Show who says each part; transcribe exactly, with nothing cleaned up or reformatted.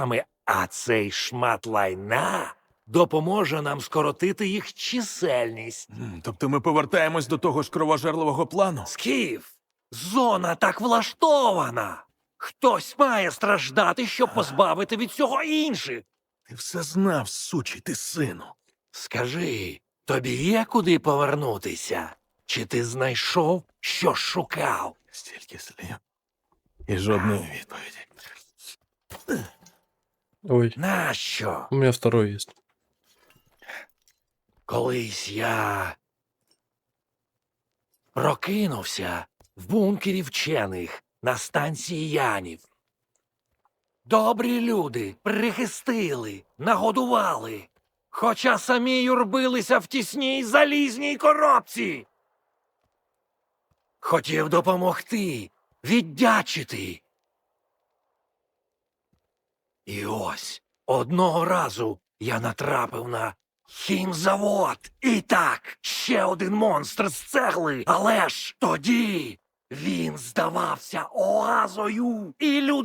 Speaker 1: ворогами, а цей шмат лайна допоможе нам скоротити їх чисельність.
Speaker 2: М, Тобто ми повертаємось до того ж кровожерливого плану?
Speaker 1: Скіф, зона так влаштована. Хтось має страждати, щоб позбавити від цього інших.
Speaker 2: Ти все знав, сучий ти сину.
Speaker 1: Скажи, тобі є куди повернутися? Чи ти знайшов, що шукав?
Speaker 2: Стільки слів. І жодної відповіді.
Speaker 3: Ой,
Speaker 1: Нащо?
Speaker 3: у меня второй есть.
Speaker 1: Колись я прокинувся в бункері вчених на станції Янів. Добрі люди прихистили, нагодували, хоча самі юрбилися в тісній залізній коробці. Хотів допомогти, віддячити. І ось одного разу я натрапив на хімзавод. І так, ще один монстр з цегли. Але ж тоді він здавався оазою, і люди